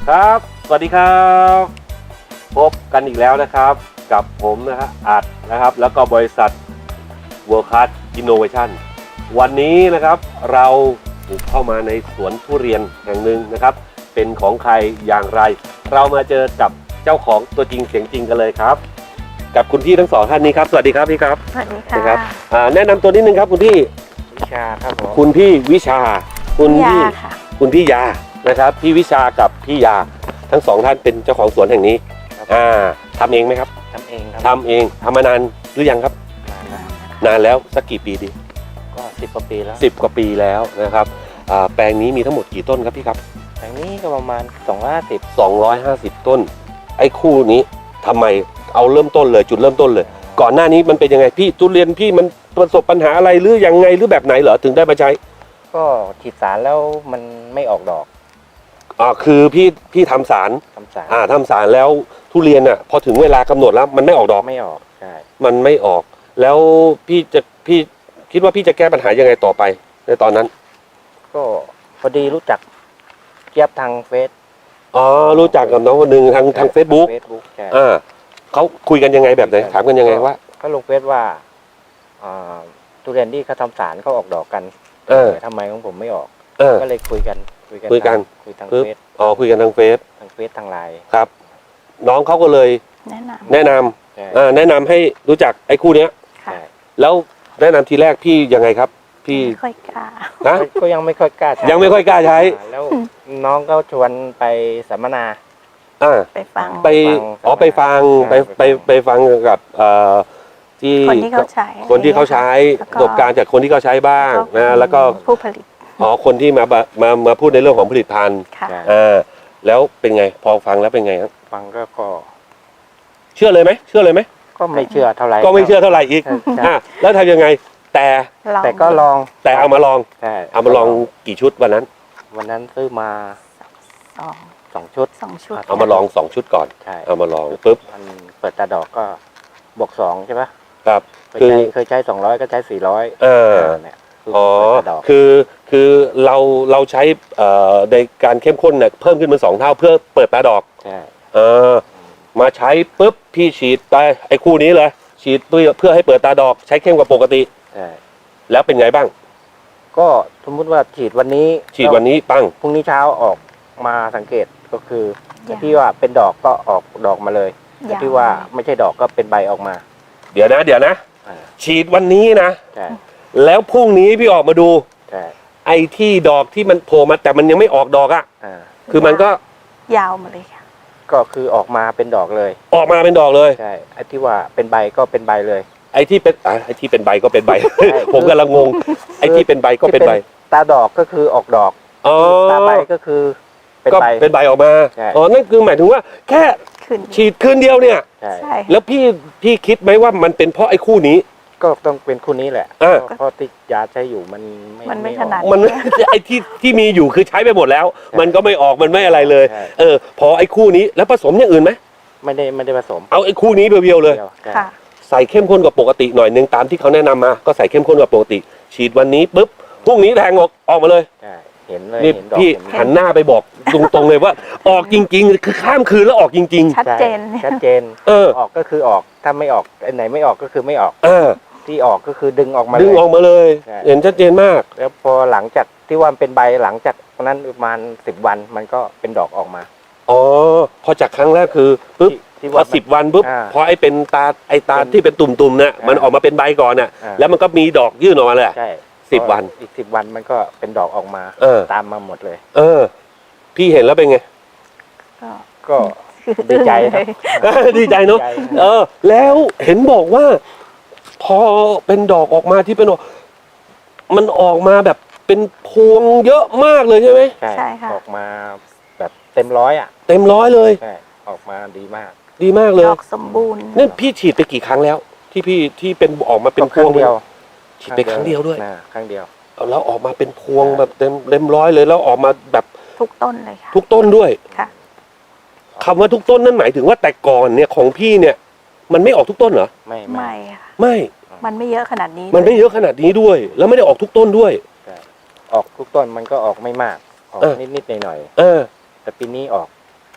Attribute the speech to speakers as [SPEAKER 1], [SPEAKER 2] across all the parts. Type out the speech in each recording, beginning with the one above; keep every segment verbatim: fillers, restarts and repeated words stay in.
[SPEAKER 1] ครับสวัสดีครับพบกันอีกแล้วนะครับกับผมนะฮะอัดนะครับแล้วก็บริษัท World Class Innovation วันนี้นะครับเราบุกเข้ามาในสวนทุเรียนแห่งหนึ่งนะครับเป็นของใครอย่างไรเรามาเจอกับเจ้าของตัวจริงเสียงจริงกันเลยครับกับคุณพี่ทั้งสองท่านนี้ครับสวัสดีครับพี่ครับ
[SPEAKER 2] สวัสดีค่ะ
[SPEAKER 1] ครับแนะนำตัวนิดนึงครับคุณพี่
[SPEAKER 3] วิชาครับผม
[SPEAKER 1] คุณพี่วิชาคุณ
[SPEAKER 2] ยา
[SPEAKER 1] พี่
[SPEAKER 2] ค่ะ
[SPEAKER 1] คุณพี่ยานะครับพี่วิชากับพี่ยาทั้งสองท่านเป็นเจ้าของสวนแห่งนี้อ่าทำเองไหมครับ
[SPEAKER 3] ทำเองครับ
[SPEAKER 1] ทำเองทำมานานหรือยังครับ
[SPEAKER 3] นานแล้ว
[SPEAKER 1] นานแล้วสักกี่ปีดี
[SPEAKER 3] ก็สิบกว่าปีแล้ว
[SPEAKER 1] สิบกว่าปีแล้วนะครับอ่าแปลงนี้มีทั้งหมดกี่ต้นครับพี่ครับ
[SPEAKER 3] อย่างนี้ก็ประมาณสองร้อยห้าสิบ
[SPEAKER 1] สองร้อยห้าสิบต้นไอ้คู่นี้ทำไมเอาเริ่มต้นเลยจุดเริ่มต้นเลย ก่อนหน้านี้มันเป็นยังไงพี่ทุเรียนพี่มันประสบปัญหาอะไรหรือยังไงหรือแบบไหนเหรอถึงได้มาใช้
[SPEAKER 3] ก็ฉีดสารแล้วมันไม่ออกดอก
[SPEAKER 1] อ่าคือพี่พี่ทำสาร
[SPEAKER 3] ทำสาร
[SPEAKER 1] อ่าทำสารแล้วทุเรียนอ่ะพอถึงเวลากำหนดแล้วมันไม่ออกดอก
[SPEAKER 3] ไม่ออกใช่
[SPEAKER 1] มันไม่ออกแล้วพี่จะพี่คิดว่าพี่จะแก้ปัญหายังไงต่อไปในตอนนั้น
[SPEAKER 3] ก็พอดีรู้จักเจี๊ยบทางเฟซ
[SPEAKER 1] อ๋อรู้จักกับน้องคนหนึ่งทางทางเฟซบุ๊ก
[SPEAKER 3] เฟซบุ๊กใช่
[SPEAKER 1] อ่าเขาคุยกันยังไงแบบไหนถามกันยังไงว่า
[SPEAKER 3] ก็ลงเฟซว่าอ่าทุเรียนที่เขาทำสารเขาออกดอกกัน
[SPEAKER 1] เออ
[SPEAKER 3] ทำไมของผมไม่ออก
[SPEAKER 1] เออ
[SPEAKER 3] ก็เลยคุยกันคุยกัน
[SPEAKER 1] คุยกัน
[SPEAKER 3] ทางคุยทาง
[SPEAKER 1] ปึ๊บ
[SPEAKER 3] เฟซ
[SPEAKER 1] อ๋อคุยกันทางเฟซ
[SPEAKER 3] ทางเฟซทางไลน์
[SPEAKER 1] ครับ น้องเขาก็เลย
[SPEAKER 2] แนะน
[SPEAKER 1] แนะนำ
[SPEAKER 3] ใช่
[SPEAKER 1] อ่าแนะนำให้รู้จักไอ้คู่เนี้ย
[SPEAKER 2] ำค่ะ
[SPEAKER 3] ใช่
[SPEAKER 1] แล้วแนะนำทีแรกพี่ยังไงครับ พี่
[SPEAKER 2] ไม่ค่อยกล้า
[SPEAKER 1] นะ
[SPEAKER 3] ก็ยังไม่ค่อยกล้าใช้
[SPEAKER 1] ยังไม่ค่อยกล้าใช้
[SPEAKER 3] แล้วน้องก็ชวนไปสัมมนา
[SPEAKER 1] อ่า
[SPEAKER 2] ไปฟัง
[SPEAKER 1] ไป
[SPEAKER 3] ฟัง
[SPEAKER 1] อ๋อไปฟังไป
[SPEAKER 3] ใช่
[SPEAKER 1] ไป
[SPEAKER 3] ไปฟัง
[SPEAKER 1] ไปฟังกับเอ่อที่
[SPEAKER 2] คนที่เขาใช้
[SPEAKER 1] คนที่เขาใช้
[SPEAKER 2] แล้ว
[SPEAKER 1] ประสบการณ์จากคนที่เขาใช้บ้างนะแล้วก็
[SPEAKER 2] ผู้ผลิต
[SPEAKER 1] อ๋อคนที่มาบะมามาพูดในเรื่องของผลิตภัณฑ์
[SPEAKER 2] ค่ะ
[SPEAKER 3] ใช่
[SPEAKER 1] อ่าแล้วเป็นไงพอฟังแล้วเป็นไงครับ
[SPEAKER 3] ฟังก็ก็
[SPEAKER 1] เชื่อเลยไหมเชื่อเลยไหม
[SPEAKER 3] ก็ไม่เชื่อเท่าไหร่
[SPEAKER 1] ก็ไม่เชื่อเท่าไหร่อีก
[SPEAKER 3] ใช่ใช่
[SPEAKER 1] อ่ะแล้วทำยังไง แต่
[SPEAKER 2] ลอง
[SPEAKER 3] แต่ก็ลอง
[SPEAKER 1] แต่เอามาลอง
[SPEAKER 3] ใช่
[SPEAKER 1] เอามาลองกี่ชุดวันนั้น
[SPEAKER 3] วันนั้นซื้อมา
[SPEAKER 2] สอง
[SPEAKER 3] สองชุด
[SPEAKER 2] สองชุด
[SPEAKER 1] เอามาลองสองชุดก่อน
[SPEAKER 3] ใช่
[SPEAKER 1] เอามาลองปุ๊บ
[SPEAKER 3] มันเปิดตาดอกก็บวกสองใช่ปะ
[SPEAKER 1] ครับ
[SPEAKER 3] เคย
[SPEAKER 1] คือ
[SPEAKER 3] ใช้เคยใช้สองร้อยก็ใช้สี่ร้อย
[SPEAKER 1] เออ
[SPEAKER 3] เนี่ยคือ
[SPEAKER 1] อ๋อ
[SPEAKER 3] เปิดตาดอก
[SPEAKER 1] คือคือเราเราใช้เอ่อในการเข้มข้นเนี่ยเพิ่มขึ้นเป็นสองเท่าเพื่อเปิดตาดอก
[SPEAKER 3] ใช่
[SPEAKER 1] เออมาใช้ปุ๊บพี่ฉีดไปไอ้คู่นี้เลย ฉีดเพื่อเพื่อให้เปิดตาดอกใช้เข้มกว่าปกติ
[SPEAKER 3] ใช่
[SPEAKER 1] แล้วเป็นไงบ้าง
[SPEAKER 3] ก็สมมติว่าฉีดวันนี้
[SPEAKER 1] ฉีดวันนี้ปัง
[SPEAKER 3] พรุ่งนี้เช้าออกมาสังเกตก็คือ
[SPEAKER 2] อย่าง
[SPEAKER 3] ที่ว่าเป็นดอกก็ออกดอกมาเลย
[SPEAKER 2] อย่าง
[SPEAKER 3] ที่ว่าไม่ใช่ดอกก็เป็นใบออกมา
[SPEAKER 1] เดี๋ยวนะ เดี๋ยวนะ
[SPEAKER 3] อ่า
[SPEAKER 1] ฉีดวันนี้นะ
[SPEAKER 3] ใช่
[SPEAKER 1] แล้วพรุ่งนี้พี่ออกมาดู
[SPEAKER 3] ใช่
[SPEAKER 1] ไอ้ที่ดอกที่มันโผล่มาแต่มันยังไม่ออกดอกอะ่ะ
[SPEAKER 3] อ่า
[SPEAKER 1] คือมันก็
[SPEAKER 2] ยาวมาเลยค่ะ
[SPEAKER 3] ก็คือออกมาเป็นดอกเลย
[SPEAKER 1] ออกมาเป็นดอกเลย
[SPEAKER 3] ใช่ไอ้ที่ว่าเป็นใบก็เป็นใบเลย
[SPEAKER 1] ไอ้ที่เป็นอ่ะไอ้ที่เป็นใบก็เป็นใบ ผมกำลังงง ไอ้ที่เป็นใบก็เป็นใบ
[SPEAKER 3] ตาดอกก็คือออกดอก
[SPEAKER 1] อ๋อ
[SPEAKER 3] ตาใบก็คือเป็น
[SPEAKER 1] ก็
[SPEAKER 3] ใบ
[SPEAKER 1] เป็นใบออกมา
[SPEAKER 3] ใช่
[SPEAKER 1] อ๋อนั่นคือหมายถึงว่าแค่
[SPEAKER 2] ขึ้น
[SPEAKER 1] ฉีดคืนเดียวเนี่ย
[SPEAKER 3] ใช่
[SPEAKER 2] ใช่
[SPEAKER 1] แล้วพี่พี่คิดไหมว่ามันเป็นเพราะไอ้คู่นี้
[SPEAKER 3] ก็ต้องเป็นคู่นี้แหละ
[SPEAKER 1] อ่า
[SPEAKER 3] เพราะที่ยาใช้อยู่มันไม่
[SPEAKER 2] มันไม่
[SPEAKER 3] ออก
[SPEAKER 2] ถนัด
[SPEAKER 1] มัน ไอ้ที่ที่มีอยู่คือใช้ไปหมดแล้ว มันก็ไม่ออกมันไม่อะไรเลย
[SPEAKER 3] ใช่
[SPEAKER 1] เออ พอไอ้คู่นี้แล้วผสมอย่างอื่นไหม
[SPEAKER 3] ไม่ได้ไม่ได้ผสม
[SPEAKER 1] เอาไอ้คู่นี้เพียวๆเลย
[SPEAKER 3] ดีวใช่
[SPEAKER 2] ค่ะ
[SPEAKER 1] ใส่เข้มข้นกว่าปกติหน่อยนึงตามที่เขาแนะนำมา ก็ใส่เข้มข้นกว่าปกติ ฉีดวันนี้ปุ๊บพรุ่งนี้แทงออกออกมาเลย
[SPEAKER 3] ใช่เห็นเลย
[SPEAKER 1] นี่
[SPEAKER 3] เห็นดอก
[SPEAKER 1] พี่
[SPEAKER 3] เห็น
[SPEAKER 1] หันหน้าไปบอกตรงๆเลยว่า ออกจริง ๆ คือข้ามคืนแล้วออกจริง
[SPEAKER 2] ชัดเจน
[SPEAKER 3] ใช่ชัดเจน
[SPEAKER 1] เออ
[SPEAKER 3] ออกก็คือออกถ้าไม่ออกอันไหนไม่ออกก็คือไม่ออก
[SPEAKER 1] ๆอ่า
[SPEAKER 3] ที่ออกก็คือดึงออกมา
[SPEAKER 1] ดึง
[SPEAKER 3] เลย
[SPEAKER 1] ออกมาเลย
[SPEAKER 3] ใช่
[SPEAKER 1] เห็นชัดเจนมาก
[SPEAKER 3] แล้วพอหลังจากที่ว่ามันเป็นใบหลังจากนั้นประมาณสิบวันมันก็เป็นดอกออกมา
[SPEAKER 1] อ๋อพอจากครั้งแรกคือปุ๊บ
[SPEAKER 3] ที่ที่
[SPEAKER 1] พอ
[SPEAKER 3] ว่า
[SPEAKER 1] สิบวันปุ๊บ
[SPEAKER 3] อ่า
[SPEAKER 1] พอไอ้เป็นตาไอ้ตา
[SPEAKER 3] เป็น
[SPEAKER 1] ที่เป็นตุ่มๆเนี่ย
[SPEAKER 3] อ่ามั
[SPEAKER 1] มันออกมาเป็นใบก่อนน่ะ
[SPEAKER 3] อ่า
[SPEAKER 1] แล้วมันก็มีดอกยื่นออกมาเลย
[SPEAKER 3] ใช่
[SPEAKER 1] สิบวัน
[SPEAKER 3] อีกสิบวันมันก็เป็นดอกออกมา
[SPEAKER 1] เออ
[SPEAKER 3] ตามมาหมดเลย
[SPEAKER 1] เออ พี่เห็นแล้วเป็นไง
[SPEAKER 2] ก็
[SPEAKER 3] ก็ ดีใจครับ
[SPEAKER 1] ดีใจเนาะ
[SPEAKER 3] ดีใจ
[SPEAKER 1] เออ แล้วเห็นบอกว่า พอเป็นดอกออกมาที่เป็นดอกมันออกมาแบบเป็นพวงเยอะมากเลยใช่ไหม
[SPEAKER 3] ใช่
[SPEAKER 2] ใช่ค่ะ
[SPEAKER 3] ออกมาแบบเต็มร้อยอ่ะ
[SPEAKER 1] เต็มร้อยเลย
[SPEAKER 3] ใช่ออกมาดีมาก
[SPEAKER 1] ดีมากเลย
[SPEAKER 2] ดอกสมบูรณ์
[SPEAKER 1] นี่พี่ฉีดไปกี่ครั้งแล้ว ที่พี่ที่เป็นออกมาเป็นพ
[SPEAKER 3] คว รั้
[SPEAKER 1] ง
[SPEAKER 3] งเดียว
[SPEAKER 1] ฉีดไปครั้งเดียวด้วย
[SPEAKER 3] นะครั้งเดียว
[SPEAKER 1] เอาแล้วออกมาเป็นพวงแบบเต็มเต็มร้อยเลยแล้วออกมาแบบ
[SPEAKER 2] ทุกต้นเลยค่ะ
[SPEAKER 1] ทุกต้นด้วย
[SPEAKER 2] ค่ะ
[SPEAKER 1] คำว่าทุกต้นนั่นหมายถึงว่าแต่ก่อนเนี่ยของพี่เนี่ย มันไม่ออกทุกต้นเหรอ
[SPEAKER 3] ไม่
[SPEAKER 2] ไม่ค่ะ
[SPEAKER 1] ไม่
[SPEAKER 2] มันไม่เยอะขนาดนี้
[SPEAKER 1] มันไม่เยอะขนาดนี้ด้วย แล้วไม่ได้ออกทุกต้นด้วย
[SPEAKER 3] ออกทุกต้นมันก็ออกไม่มาก ออก
[SPEAKER 1] เออ
[SPEAKER 3] นิดๆหน่อย
[SPEAKER 1] เออ
[SPEAKER 3] ๆแต่ปีนี้ออก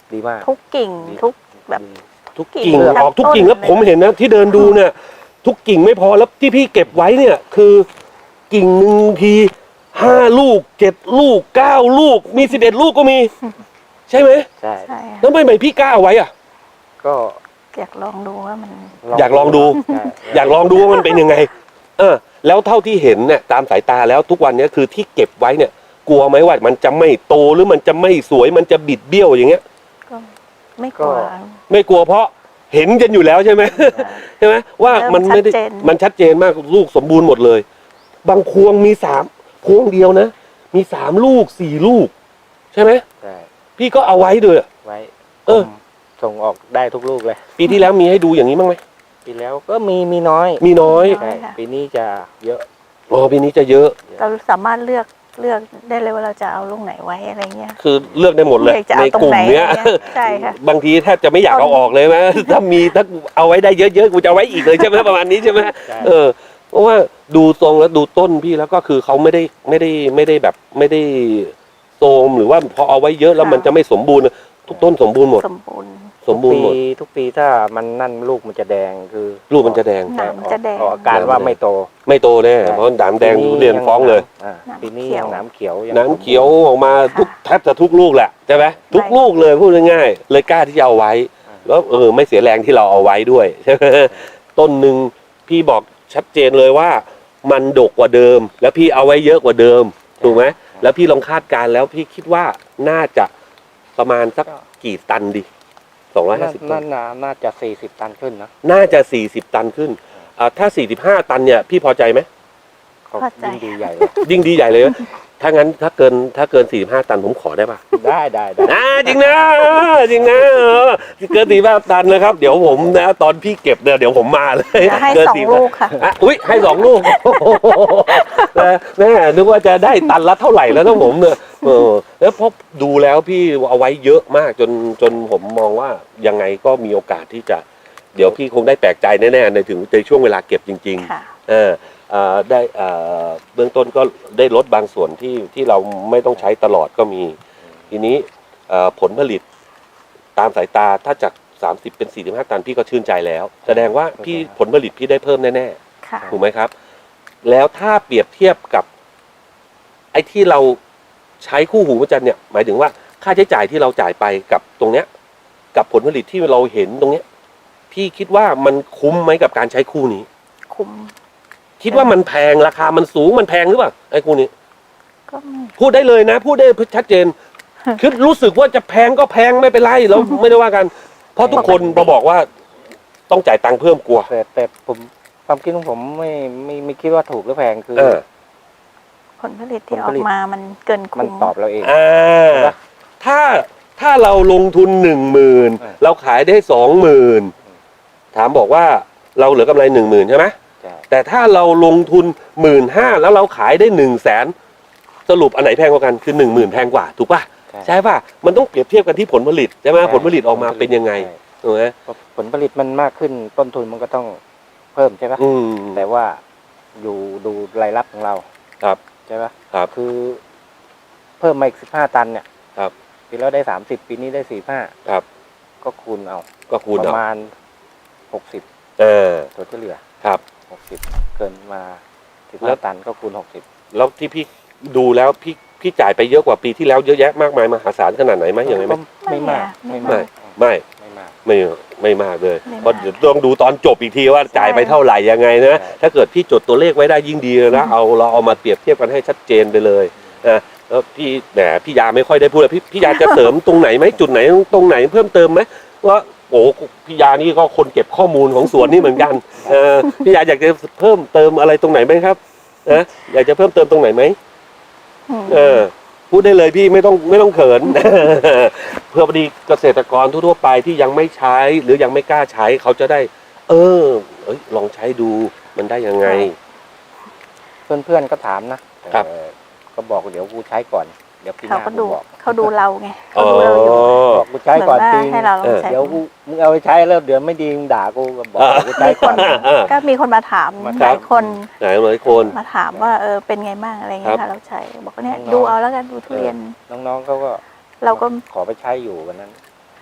[SPEAKER 3] ดีมาก
[SPEAKER 2] ทุกกิ่ง
[SPEAKER 3] ดี
[SPEAKER 2] ทุกแบบ
[SPEAKER 3] ดี
[SPEAKER 1] ทุก
[SPEAKER 2] กิ่
[SPEAKER 1] กิ่ง
[SPEAKER 2] ง
[SPEAKER 1] ออกทุก
[SPEAKER 2] ต้น
[SPEAKER 1] กิ่งแล้ว
[SPEAKER 2] เลย
[SPEAKER 1] ผมเห็นนะที่เดินดูเนี่ย ทุกกิ่งไม่พอแล้วที่พี่เก็บไว้เนี่ย คือกิ่งหนึ่งทีห้าลูกเจ็ดลูกเก้าลูกมีสิบเอ็ดลูกก็มี ใช่ไหม
[SPEAKER 3] ใช่
[SPEAKER 2] ใช่ค่ะ
[SPEAKER 1] แล้วทำไมพี่กล้าเอาไว้อ่ะ
[SPEAKER 3] ก็
[SPEAKER 2] อยากลองดูว่ามัน
[SPEAKER 1] อยากลองดู
[SPEAKER 3] ใช่
[SPEAKER 1] อยากลองดูว่ามันเป็นยังไง เออ แล้วเท่าที่เห็นเนี่ยตามสายตาแล้วทุกวันเนี้ยคือที่เก็บไว้เนี่ย กลัวไหมว่ามันจะไม่โตหรือมันจะไม่สวยมันจะบิดเบี้ยวอย่างเงี้ย
[SPEAKER 2] ก็ไม่กลัว
[SPEAKER 1] ไม่กลัวเพราะเห็นกันอยู่แล้วใช่ไหม ใช่ไหมว่ามันไม่ได้
[SPEAKER 2] เริ่มชัดเจน
[SPEAKER 1] มันชัดเจนมากลูกสมบูรณ์หมดเลย บางพวงมีสามพวงเดียวนะ มีสามลูกสี่ลูก ใช่ไหม
[SPEAKER 3] ใช่
[SPEAKER 1] พี่ก็เอาไว้ด้วย
[SPEAKER 3] ไว้
[SPEAKER 1] เออ
[SPEAKER 3] ผมส่งออกได้ทุกลูกเลย
[SPEAKER 1] ปีที่แล้วมีให้ดูอย่างนี้บ้างไหม
[SPEAKER 3] ปีแล้วก็มีมีน้อย
[SPEAKER 1] มีน้อย
[SPEAKER 3] ใช่ปีนี้จะเยอะ
[SPEAKER 1] อ๋อปีนี้จะเยอะ
[SPEAKER 2] เราสามารถเลือกเลือกได้เลยว่าเราจะเอาลูกไหนไว้อะไรเงี้ย
[SPEAKER 1] คือเลือกได้หมดเลย
[SPEAKER 2] เลือกจะ
[SPEAKER 1] ใน
[SPEAKER 2] เอาตร
[SPEAKER 1] ก
[SPEAKER 2] ง
[SPEAKER 1] ลุ่ม
[SPEAKER 2] ไหน
[SPEAKER 1] เนี้ย
[SPEAKER 2] อะไรเงี้ยใช่ค่ะ
[SPEAKER 1] บางทีแทบจะไม่อยากเอาออกเลยไหม ถ้ามีถ้าเอาไว้ได้เยอะๆกูจะเอาไว้อีกเลยใช่ไหมประมาณนี้ใช่ไหม
[SPEAKER 3] ใช่
[SPEAKER 1] เออเพราะว่าดูทรงแล้วดูต้นพี่แล้วก็คือเขาไม่ได้ไม่ได้ไม่ได้แบบไม่ได้โทรมหรือว่าพอเอาไว้เยอะแล้วมันจะไม่สมบูรณ์ทุกต้นสมบูรณ์หมด
[SPEAKER 2] สมบูรณ์
[SPEAKER 1] สมบูรณ์หมด
[SPEAKER 3] ทุกปีทุกปีถ้ามันนั่นลูกมันจะแดงคือ
[SPEAKER 1] ลูกมันจะแดง
[SPEAKER 2] หนามจะแดง
[SPEAKER 3] ออกอาการว่าไม่โต
[SPEAKER 1] ไม่โตแน่
[SPEAKER 3] ใช่
[SPEAKER 1] เพราะหนามแดงทุเรียนฟ้องเลย
[SPEAKER 3] อ่า
[SPEAKER 2] หนาม
[SPEAKER 3] ปีนี้
[SPEAKER 2] เขียว
[SPEAKER 3] ยังหนามเขียวยัง
[SPEAKER 1] หนามเขียวออกมาทุกแทบจะทุกลูกแหละใช่ไหมทุกลูกเลยพูดง่ายๆเลยกล้าที่จะเอาไว้ แล้วเออไม่เสียแรงที่เราเอาไว้ด้วยใช่ไหมต้นหนึ่งพี่บอกชัดเจนเลยว่า มันดกกว่าเดิม แล้วพี่เอาไว้เยอะกว่าเดิมถูกไหมแล้วพี่ลองคาดการณ์แล้วพี่คิดว่าน่าจะประมาณสักกี่ตันดิสองร้อยห้าสิบตั
[SPEAKER 3] น่าน น่าน่าจะสี่สิบตันขึ้นนะ
[SPEAKER 1] น่าจะสี่สิบตันขึ้นอ่าถ้าสี่สิบห้าตันเนี่ยพี่พอใจไหม
[SPEAKER 3] เขา
[SPEAKER 2] เข้าใจ
[SPEAKER 3] ยิ่งดีใหญ่เลย
[SPEAKER 1] ยิ่งดีใหญ่เลย ถ้างั้นถ้าเกินถ้าเกินสี่สิบห้าตันผมขอได้ปะ
[SPEAKER 3] ได้ได้ได้
[SPEAKER 1] นะจริงนะจริงนะเออเกินสี่สิบห้าตันนะครับ เดี๋ยวผมนะตอนพี่เก็บเนี่ยเดี๋ยวผมมาเลย
[SPEAKER 2] จะให้
[SPEAKER 1] เกิน
[SPEAKER 2] สอง
[SPEAKER 1] สี่สิบ
[SPEAKER 2] ลูกค่ะ
[SPEAKER 1] อ่ะอุ้ยให้สองลูกนะแม่นึกว่าจะได้ตันละเท่าไหร่แล้วนะผมเนี่ยเออแล้วพอดูแล้วพี่เอาไว้เยอะมากจนจนผมมองว่ายังไงก็มีโอกาสที่จะ เดี๋ยวพี่คงได้แปลกใจแน่ๆในถึงในช่วงเวลาเก็บจริง
[SPEAKER 2] ค่ะ
[SPEAKER 1] ๆเออเอ่อได้เอ่อเบื้องต้นก็ได้ลดบางส่วนที่ที่เราไม่ต้องใช้ตลอดก็มี ทีนี้เอ่อผลผลิตตามสายตาถ้าจากสามสิบเป็นสี่สิบห้าตันพี่ก็ชื่นใจแล้ว แสดงว่าพี่ผลผลิตพี่ได้เพิ่มแน่
[SPEAKER 2] ค่ะ
[SPEAKER 1] ๆถูกไหมครับ แล้วถ้าเปรียบเทียบกับ ไอ้ที่เราใช้คู่หูพระจันทร์เนี่ยหมายถึงว่าค่าใช้จ่ายที่เราจ่ายไปกับตรงเนี้ย กับผลผลิตที่เราเห็นตรงเนี้ย พี่คิดว่ามันคุ้มไหมกับการใช้คู่นี้
[SPEAKER 2] คุ้ม
[SPEAKER 1] คิดว่ามันแพงราคามันสูงมันแพงหรือเปล่าไอ้คู่นี้
[SPEAKER 2] ก็ไม่
[SPEAKER 1] พูดได้เลยนะ พูดได้ชัดเจน คือรู้สึกว่าจะแพงก็แพงไม่เป็นไรเราไม่ได้ว่ากัน เพราะทุกคนมาบอกว่าต้องจ่ายตังค์เพิ่มกลัว
[SPEAKER 3] แต่แต่ผมความคิดของผมไม่ไม่ไม่คิดว่าถูกหรือแพงคือ
[SPEAKER 1] เออ
[SPEAKER 2] ผลผลิตที่
[SPEAKER 3] ผล
[SPEAKER 2] อ
[SPEAKER 3] ผ
[SPEAKER 2] อก
[SPEAKER 3] ลิต
[SPEAKER 2] มามันเกิน
[SPEAKER 3] มัน
[SPEAKER 2] คุ้ม
[SPEAKER 3] ตอบเราเอง
[SPEAKER 1] อ่า
[SPEAKER 3] ใช่ปะ
[SPEAKER 1] ถ้าถ้าเราลงทุนหนึ่งหมื่น
[SPEAKER 3] เออ
[SPEAKER 1] เราขายได้สองหมื่นถามบอกว่าเราเหลือกำไรหนึ่งหมื่นใช่ไหม
[SPEAKER 3] ใช่
[SPEAKER 1] แต่ถ้าเราลงทุนหมื่นห้าแล้วเราขายได้หนึ่งแสนสรุปอันไหนแพงกว่ากันคือหนึ่งหมื่นแพงกว่าถูกป่ะ
[SPEAKER 3] ใช่
[SPEAKER 1] ใช่ป่ะมันต้องเปรียบเทียบกันที่ผลผลิตใช่ไหม
[SPEAKER 3] ใช่
[SPEAKER 1] ผลผลิตออกมาเป็นยังไง
[SPEAKER 3] ใช่
[SPEAKER 1] ถูกไหม
[SPEAKER 3] พอผลผลิตมันมากขึ้นต้นทุนมันก็ต้องเพิ่มใช่ปะ
[SPEAKER 1] อืม
[SPEAKER 3] แต่ว่าอยู่ดูรายรับของเรา
[SPEAKER 1] ครับ
[SPEAKER 3] ใช่ปะ
[SPEAKER 1] ครับ
[SPEAKER 3] คือ เพิ่มมาอีกสิบห้าตันเนี่ย
[SPEAKER 1] ครับ
[SPEAKER 3] ปีแล้วได้สามสิบปีนี้ได้สี่ห้า
[SPEAKER 1] ครับ
[SPEAKER 3] ก็คูณเอา
[SPEAKER 1] ก็คูณ
[SPEAKER 3] ป
[SPEAKER 1] เอา
[SPEAKER 3] ระมาณหกสิบ
[SPEAKER 1] เออ
[SPEAKER 3] ตัวที่เหลือ
[SPEAKER 1] ครับ
[SPEAKER 3] หกสิบเกินมาสิบ
[SPEAKER 1] แล้
[SPEAKER 3] ห้าว ตันก็คูณหกสิบ
[SPEAKER 1] แล้วที่พี่ดูแล้วพี่พี่จ่ายไปเยอะกว่าปีที่แล้วเยอะแยะมากมายมหาศาลขนาดไหนไหมอย่างไรไหม
[SPEAKER 3] ไม่มาก
[SPEAKER 2] ไม่
[SPEAKER 3] ไม่
[SPEAKER 2] อะ
[SPEAKER 3] มาก
[SPEAKER 1] ไม่
[SPEAKER 3] ไม่มาก
[SPEAKER 1] ไม่ไม่มากเลย
[SPEAKER 2] ไม่มาก
[SPEAKER 1] เพราะเดี๋ยวต้องดูตอนจบอีกทีว่าจ่ายไป
[SPEAKER 2] ใช่
[SPEAKER 1] เท่าไหร่ยังไงนะ
[SPEAKER 3] ใช่
[SPEAKER 1] ถ้าเกิดพี่จดตัวเลขไว้ได้ยิ่งดีเลยนะเอาเราเอามาเปรียบเทียบกันให้ชัดเจนไปเลยนะแล้วพี่แหมพี่ยาไม่ค่อยได้พูดเลยพี่พี่ยาจะเสริมตรงไหนไหมจุดไหนตรงไหนเพิ่มเติมไหมว่าโอ้พี่ยานี่ก็คนเก็บข้อมูลของสวนนี่เหมือนกันเออพี่ยาอยากจะเพิ่มเติมอะไรตรงไหนไหมครับนะอยากจะเพิ่มเติมตรงไหนไหม
[SPEAKER 2] อืม
[SPEAKER 1] เออพูดได้เลยพี่ไม่ต้องไม่ต้องเขิน เพื่อพอดีเกษตรกรทั่วๆไปที่ยังไม่ใช้หรือยังไม่กล้าใช้เขาจะได้ เออเอ้ยลองใช้ดูมันได้ยังไง
[SPEAKER 3] เพื่อนๆก็ถามนะครับ เออก็บอกเดี๋ยวกูใช้ก่อน เดี๋ยวปีห
[SPEAKER 2] เขา
[SPEAKER 3] น้า
[SPEAKER 2] ก็
[SPEAKER 3] กู
[SPEAKER 2] ดู
[SPEAKER 3] บอก
[SPEAKER 2] เขาดูเราไง
[SPEAKER 1] อ๋
[SPEAKER 2] เขา
[SPEAKER 1] อ
[SPEAKER 2] ดูเราอยู่
[SPEAKER 3] บอกกูใช้
[SPEAKER 2] เหมือน
[SPEAKER 3] ก่อน
[SPEAKER 2] ว่า
[SPEAKER 3] จริง
[SPEAKER 2] ให้เราลองใช้
[SPEAKER 3] เดี๋ยวกูมึงเอาไปใช้แล้วเดี๋ยวไม่ดีมึงด่ากูก็บอก
[SPEAKER 1] อ่า
[SPEAKER 3] กูใช้
[SPEAKER 2] มีค
[SPEAKER 3] ก่อน น
[SPEAKER 2] ก็มีคนมาถาม
[SPEAKER 3] มา
[SPEAKER 2] ห
[SPEAKER 3] ถาม
[SPEAKER 2] ลายคน
[SPEAKER 1] ไหนหลายคน
[SPEAKER 2] มาถามว่าเออเป็นไงบ้างอะไรเงี้ย
[SPEAKER 1] ครั
[SPEAKER 2] ค่ะ
[SPEAKER 1] บ
[SPEAKER 2] เราใช้บอกว่าเนี่ย
[SPEAKER 3] น้องๆ
[SPEAKER 2] ดูเอาแล้วกันดูทุเรียน
[SPEAKER 3] น้องๆเขาก็
[SPEAKER 2] เราก็
[SPEAKER 3] ขอไปใช้อยู่วันนั้น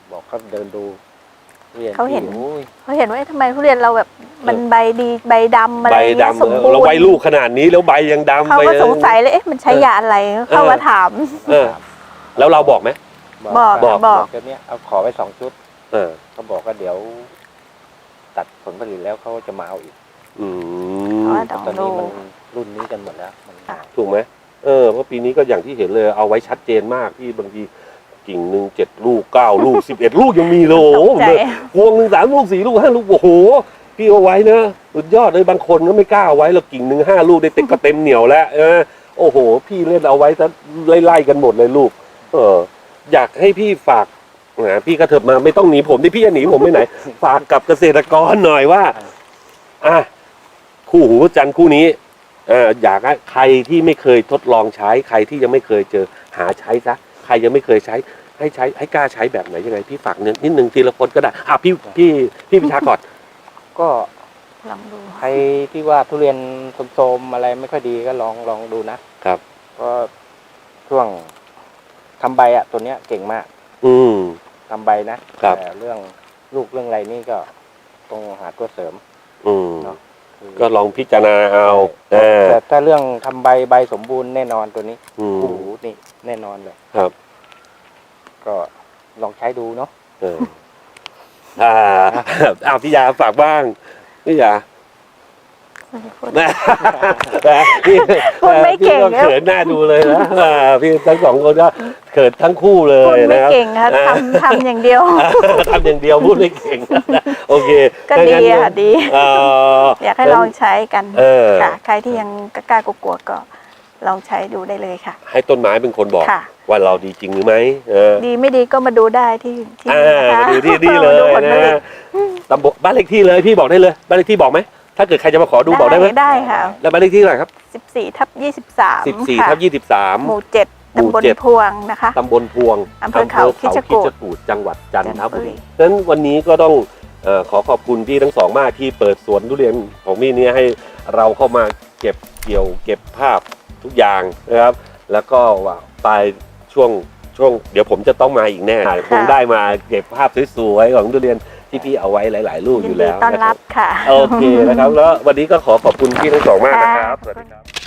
[SPEAKER 3] บอกเขาเดินดูทุเรียน
[SPEAKER 2] เขาเห็น
[SPEAKER 3] ที่โอ้ย
[SPEAKER 2] เขาเห็นว่าเอ๊ะทำไมทุเรียนเราแบบมันใบดีใบดำอะไร
[SPEAKER 1] ใบ
[SPEAKER 2] เงี้ย
[SPEAKER 1] ดำ
[SPEAKER 2] สมบูร
[SPEAKER 1] เรา
[SPEAKER 2] ณ์
[SPEAKER 1] ใบลูกขนาดนี้แล้วใบยังดำ
[SPEAKER 2] เขา
[SPEAKER 1] ใบ
[SPEAKER 2] ก็สงสัยเลยเอ๊ะมันใช้ยาอะไรเข้ามาถาม
[SPEAKER 1] เออแล้วเราบอกไหม
[SPEAKER 2] บอก
[SPEAKER 1] บอก
[SPEAKER 2] บอก
[SPEAKER 3] เดี๋ยวนี้เอาขอไปสองชุด
[SPEAKER 1] เออ
[SPEAKER 3] เขาบอกว่าเดี๋ยว ตัดผลผลิตแล้วเขาจะมาเอาอีก
[SPEAKER 1] อื
[SPEAKER 2] เพราะ
[SPEAKER 1] ม
[SPEAKER 2] ว่า
[SPEAKER 3] ตอนนี้มันรุ่นนี้กันหมดแล้วมัน
[SPEAKER 2] ค่ะ
[SPEAKER 1] ถูกไหมเออเพราะปีนี้ก็อย่างที่เห็นเลยเอาไว้ชัดเจนมากที่บางทีกิ่งหนึ่งเจ็ดลูกเก้าลูกสิบเอ็ดลูกยังมีเลยโอ้โห
[SPEAKER 2] ตกใจ
[SPEAKER 1] พวงหนึ่งสามลูกสี่ลูกห้าลูกโอ้โหพี่เอาไว้นะสุดยอดเลยบางคนก็ไม่กล้าเอาไว้แล้วกิ่งหนึ่งห้าลูกได้เต็มก็เต็มเหนียวแล้วเออโอ้โห พี่เล่นเอาไว้ซะไล่ๆกันหมดเลยลูก เออ อยากให้พี่ฝากนะพี่ก็เถิบมาไม่ต้องหนีผมที่พี่จะหนีผมไปไหน ฝากกับเกษตรกรหน่อยว่า อ่ะคู่หูจันทร์คู่นี้เอออยากให้ใครที่ไม่เคยทดลองใช้ใครที่ยังไม่เคยเจอหาใช้ซะใครยังไม่เคยใช้ ให้ใช้ให้กล้าใช้แบบไหนยังไงพี่ฝากนิดนิดนึงทีละคนก็ได้อ่ะพี่พี่พี่พิชาก่อน
[SPEAKER 3] ก็
[SPEAKER 2] ลองดู
[SPEAKER 3] ใครที่ว่าทุเรียนโทรมๆอะไรไม่ค่อยดีก็ลองลองดูนะครับ ก็ช่วงทำใบอ่ะตัวเนี้ยเก่งมาก
[SPEAKER 1] อืม
[SPEAKER 3] ทำใบนะครับ แต่เรื่องลูกเรื่องอะไรนี่ก็ต้องหาตัวเสริม
[SPEAKER 1] อืม
[SPEAKER 3] เนาะคือ
[SPEAKER 1] ก็ลองพิจารณาเอาเออ
[SPEAKER 3] แต่ถ้าเรื่องทำใบใบสมบูรณ์แน่นอนตัวนี้
[SPEAKER 1] อืม
[SPEAKER 3] โอ้โหนี่แน่นอนเลย
[SPEAKER 1] ครับ
[SPEAKER 3] ก็ลองใช้ดูเนาะ
[SPEAKER 1] เอออ่าอ้าวพี่ยาฝากบ้างพี่ยา
[SPEAKER 2] พูด
[SPEAKER 1] นะนะพี่
[SPEAKER 2] พูดไม่เก่ง
[SPEAKER 1] พี่เขินหน้าดูเลยนะอ่าพี่ทั้งสองคนก็เขินทั้งคู่เล
[SPEAKER 2] พูด
[SPEAKER 1] ย
[SPEAKER 2] ไม่
[SPEAKER 1] นะครับ
[SPEAKER 2] เก่งค่ะ
[SPEAKER 1] อ่า
[SPEAKER 2] ทำทำอย่างเดียว
[SPEAKER 1] ทำอย่างเดียวพูดไม่เก่งโอเค
[SPEAKER 2] ก็ดีค่ะดี
[SPEAKER 1] เอ่อ
[SPEAKER 2] อยากให้ลองใช้กัน
[SPEAKER 1] เออ
[SPEAKER 2] ค่ะใครที่ยังกล้าๆกลัวๆก็ลองใช้ดูได้เลยค่ะ
[SPEAKER 1] ให้ต้นไม้เป็นคนบอก
[SPEAKER 2] ค่ะ
[SPEAKER 1] ว่าเราดีจริงหรือไม่เออ
[SPEAKER 2] ดีไม่ดีก็มาดูได้ที่ที่
[SPEAKER 1] อ่า
[SPEAKER 2] นะคะ
[SPEAKER 1] มาดูที่นี่เลย
[SPEAKER 2] มาดูผลผลิ
[SPEAKER 1] นะ
[SPEAKER 2] ต
[SPEAKER 1] ตำบลบ้านเลขที่เลยพี่บอกได้เลยบ้านเลขที่บอกไหมถ้าเกิดใครจะมาขอดูบอกได้ไหม
[SPEAKER 2] ได้ค่ะ
[SPEAKER 1] แล้วบ้านเลขที่เท่าไหร่ครับ
[SPEAKER 2] สิบสี่ทับยี่สิบสาม
[SPEAKER 1] สิบสี่
[SPEAKER 2] ค่ะ
[SPEAKER 1] ทับยี่สิบสาม
[SPEAKER 2] หมู่เจ็ด
[SPEAKER 1] หมู่
[SPEAKER 2] ตำบล
[SPEAKER 1] เจ็ด
[SPEAKER 2] พวงนะคะ
[SPEAKER 1] ตำบลพวง
[SPEAKER 2] อำเภอเขาคิชกูฏ
[SPEAKER 1] กูฏจังหวัดจันทบุรี
[SPEAKER 2] จันทบุรี
[SPEAKER 1] ฉะนั้นวันนี้ก็ต้องเอ่อขอขอบคุณพี่ทั้งสองมากที่เปิดสวนทุเรียนของพี่เนี่ยให้เราเข้ามาเก็บเกี่ยวเก็บภาพทุกอย่างนะครับ แล้วก็ว่าปลายช่วงช่วงเดี๋ยวผมจะต้องมาอีกแน่คงได้มาเก็บภาพสวยๆของทุเรียนที่พี่เอาไว้หลายๆรูป
[SPEAKER 2] ยิ
[SPEAKER 1] อน ยู่
[SPEAKER 2] ดี
[SPEAKER 1] แล้ว
[SPEAKER 2] ต้อน
[SPEAKER 1] นะค
[SPEAKER 2] รั
[SPEAKER 1] รั
[SPEAKER 2] บบ ค่ะ
[SPEAKER 1] โอเคนะครับแล้ววันนี้ก็ขอขอบคุณพี่ทั้งสองมากนะครับ
[SPEAKER 2] ค่ะ
[SPEAKER 1] สวัสดีครับ